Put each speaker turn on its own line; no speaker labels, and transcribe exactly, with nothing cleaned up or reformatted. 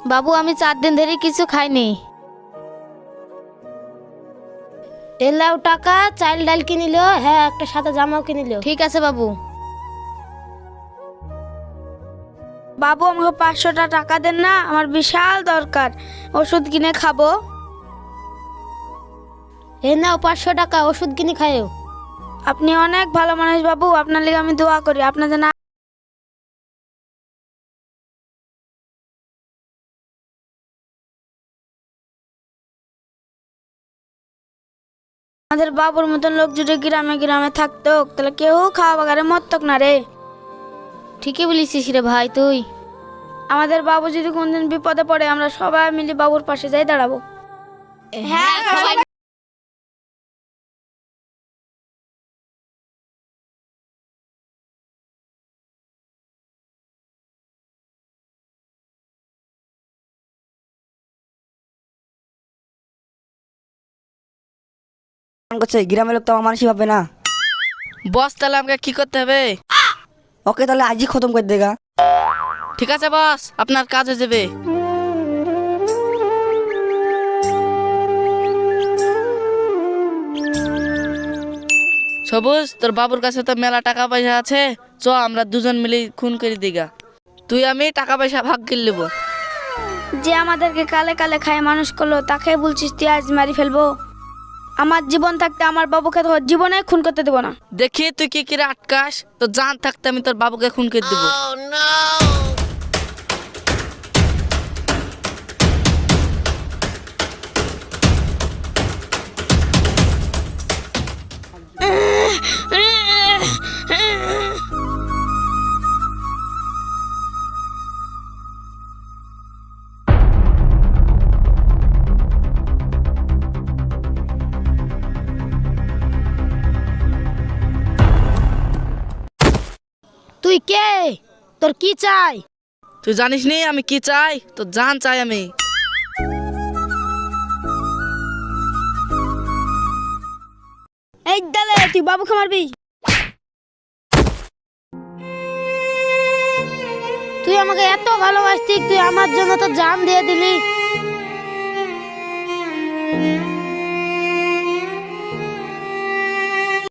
বাবু আমি চার দিন ধরে কিছু খাইনি।
এলাও টাকা, চাল ডাল কিনিল, হ্যাঁ একটা সাদা জামাও কিনিল।
ঠিক আছে বাবু।
বাবু আমাকে পাঁচশোটা টাকা দেন না, আমার বিশাল দরকার, ওষুধ কিনে খাবো। এ নাও পাঁচশো টাকা, ওষুধ কিনে খাইও। আপনি অনেক ভালো মানুষ বাবু, আপনার লিগে আমি দোয়া করি আপনার জন্য। আমাদের বাবুর মতন লোক যদি গ্রামে গ্রামে থাকতো তাহলে কেউ খাওয়া বাগারে মরতক না রে।
ঠিকই বলেছিস রে ভাই তুই।
আমাদের বাবু যদি কোনদিন বিপদে পড়ে আমরা সবাই মিলে বাবুর পাশে যাই দাঁড়াবো। হ্যাঁ সবাই।
করছে গ্রামের লোক তো আমার মানুষই ভাববে না।
বস তাহলে আমাকে কি করতে হবে?
ওকে তাহলে আজই খতম করে দেগা।
ঠিক আছে বস, আপনার কাজ হয়ে যাবে। সবুজ, তোর বাবুর কাছে তো মেলা টাকা পয়সা আছে, চ আমরা দুজন মিলে খুন করে দিগা। তুই আমি টাকা পয়সা ভাগ করে নেবো।
যে আমাদেরকে কালে কালে খায় মানুষ করলো তাকে বলছিস তুই আজ মারি ফেলবো? আমার জীবন থাকতে আমার বাবুকে তো জীবনে খুন করতে দেবো না।
দেখি তুই কি করে আটকাস, তো জান থাকতে আমি তোর বাবুকে খুন করে দেবো।
তুই কে? তোর কি চাই?
তুই জানিস নি আমি কি চাই? তো জান চাই আমি।
এই দালে তুই বাবুকে মারবি? তুই আমাকে এত ভালোবাসতি, তুই আমার জন্য তো জান দিয়ে দিলি।